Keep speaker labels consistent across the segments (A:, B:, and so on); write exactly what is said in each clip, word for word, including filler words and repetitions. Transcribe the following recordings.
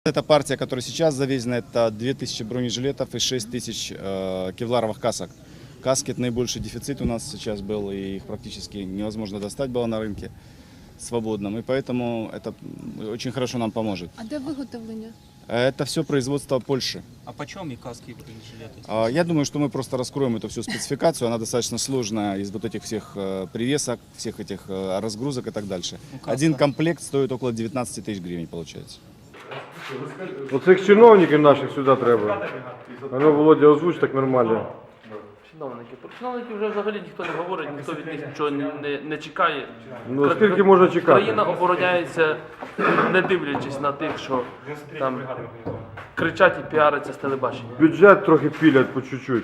A: Эта партия, которая сейчас завезена, это две тысячи бронежилетов и шесть тысяч э, кевларовых касок. Каски – это наибольший дефицит у нас сейчас был, и их практически невозможно достать было на рынке свободном. И поэтому это очень хорошо нам поможет.
B: А де виготовлення?
A: Это все производство Польши.
C: А почем и каски и бронежилеты?
A: А, Я думаю, что мы просто раскроем эту всю спецификацию. Она достаточно сложная из вот этих всех э, привесок, всех этих э, разгрузок и так дальше.
C: Ну, каска.
A: Один комплект стоит около девятнадцати тысяч гривен, получается.
D: Оцих чиновників наших сюди треба. А ну, Володя, озвуч так нормально.
E: Чиновники. Про чиновників вже взагалі ніхто не говорить, ніхто від них нічого не, не, не чекає.
D: Ну, скільки можна чекати?
E: Країна обороняється, не дивлячись на тих, що там кричать і піаряться з телебачення.
D: Бюджет трохи пілять по чуть-чуть.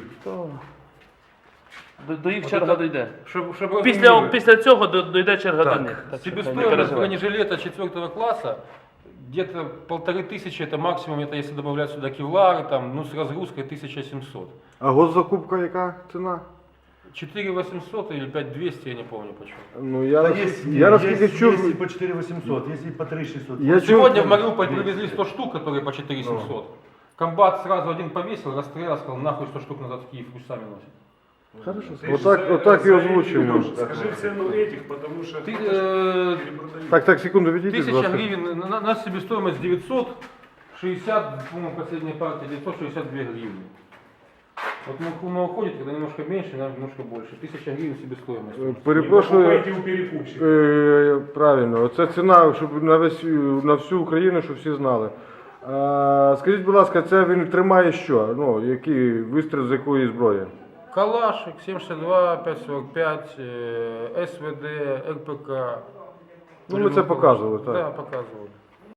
E: До, до їх черга дійде.
F: Щоб, щоб
E: Після,
F: розуміли,
E: після цього до- дійде черга до них. Так що не
F: себестоимость
E: переживайте.
F: бронежилета четвертого класса где-то полторы тысячи, это максимум, это если добавлять сюда кевлары, там, ну с разгрузкой тысяча семьсот.
D: А госзакупка яка ціна?
F: четыре восемьсот или пять двести, я не помню почему.
D: Ну, я,
G: Да
D: нас-
G: есть,
D: я наскільки
G: есть,
D: чув,
G: есть и по четыре восемьсот, есть и по три шестьсот.
D: Я чув-
F: Сегодня в Мариуполь привезли сто штук, которые по четыре семьсот. Комбат сразу один повесил, расстрелял, сказал, нахуй сто штук назад в Киев, пусть сами носят.
D: отак, отак і озвучуємо.
G: Скажи цену этих, потому что...
F: Ты, э,
D: Так, так, секунду, відійдіть, будь
F: Тысяча
D: ласка.
F: гривен, на, на себестоимость девятьсот шестьдесят, по-моему, последняя партия, девятьсот шестьдесят две гривны. Вот Мухума уходит, когда немножко меньше, нам немножко больше. Тысяча гривен себестоимость.
D: Е, Перепрошую,
G: Покупайте у перекупщика.
D: е, правильно, це ціна, щоб на, весь, на всю Україну, щоб всі знали. А, скажіть, будь ласка, це він тримає що? Ну, який вистріл з якої зброї?
F: Калашик, семь шестьдесят два, пять сорок пять, э, СВД, РПК.
D: Ну, ми це показували, так.
F: Да, показывали.